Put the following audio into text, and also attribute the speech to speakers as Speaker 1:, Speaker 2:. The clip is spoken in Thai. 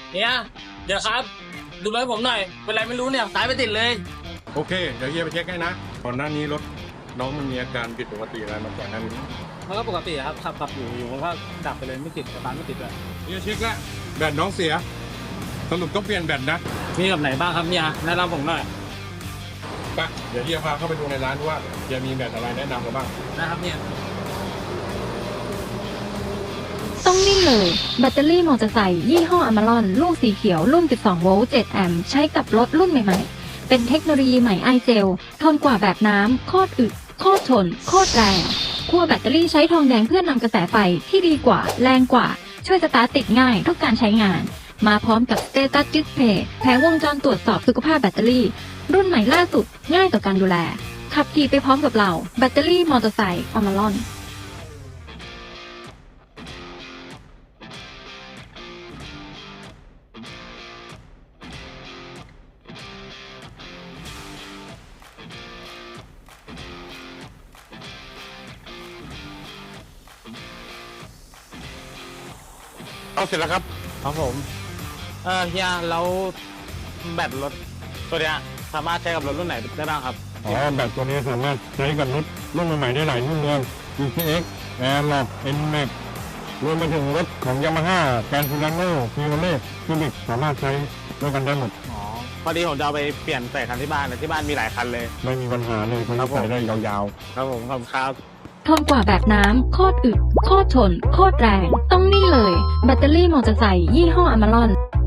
Speaker 1: เนี่ยเดี๋ยวครับดูรถผมหน่อยเป็นไรไม่รู้เนี่ยสายไปติดเลย
Speaker 2: โอเคเดี๋ยวเฮียไปเช็คให้นะก่อนหน้านี้รถน้องมันมีอาการผิดปกติอะไรมาก่อนหน้านี้
Speaker 3: มันก็ปกติครับขับอยู่มันก็ดับไปเลยไม่ติดสตาร์ทไม่ติดเลย
Speaker 2: เฮียเช็คแล้วแบตน้องเสียสรุปต้องเปลี่ยนแบตนะ
Speaker 3: มีกับไหนบ้างครับเนี่ยแนะนำผมหน่อย
Speaker 2: ไปเดี๋ยวเฮียพาเข้าไปดูในร้านว่าเฮียมีแบตอะไรแนะนำเราบ้าง
Speaker 3: นะครับเนี่ย
Speaker 4: ต้องนิ่งเลย แบตเตอรี่มอเตอร์ไซค์ยี่ห้ออมารอนลูกสีเขียวรุ่น 12 โวลต์ 7 แอมป์ใช้กับรถรุ่นใหม่ๆ เป็นเทคโนโลยีใหม่ไอเจลทนกว่าแบบน้ำโคตรอึดโคตรทนโคตรแรงขั้วแบตเตอรี่ใช้ทองแดงเพื่อนำกระแสไฟที่ดีกว่าแรงกว่า ช่วยสตาร์ทติดง่ายทุกการใช้งาน มาพร้อมกับสเตตัสดิสเพย์แผงวงจรตรวจสอบสุขภาพแบตเตอรี่ รุ่นใหม่ล่าสุดง่ายต่อการดูแลขับขี่ไปพร้อมกับเราแบตเตอรี่มอเตอร์ไซค์อมารอน
Speaker 2: เอาเสร็จแล้วครับ
Speaker 3: ครับผมเฮียแล้วแบตรถตัวเนี้ยสามารถใช้กับรถรุ่นไหนได้บ้างครับ
Speaker 2: อ๋อแบตตัวนี้สามารถใช้กับรถรุ่นใหม่ๆได้หลายรุ่นเลย GTX Airlock NMAX รวมไปถึงรถของ Yamaha Grand Torino Chevrolet Civic สามารถใช้ด้วยกันได้หมด
Speaker 3: อ๋อพอดีผมจะเอาไปเปลี่ยนใส่คันที่บ้านนะที่บ้านมีหลายคันเลย
Speaker 2: ไม่มีปัญหาเลยคนที่ใส่ได้ยาว
Speaker 3: ครับผมขอบคุณครับ
Speaker 4: ทนกว่าแบบน้ำโคตรอึดโคตรทนโคตรแรง ต้องนี่เลย แบตเตอรี่มอเตอร์ไซค์ยี่ห้ออมารอน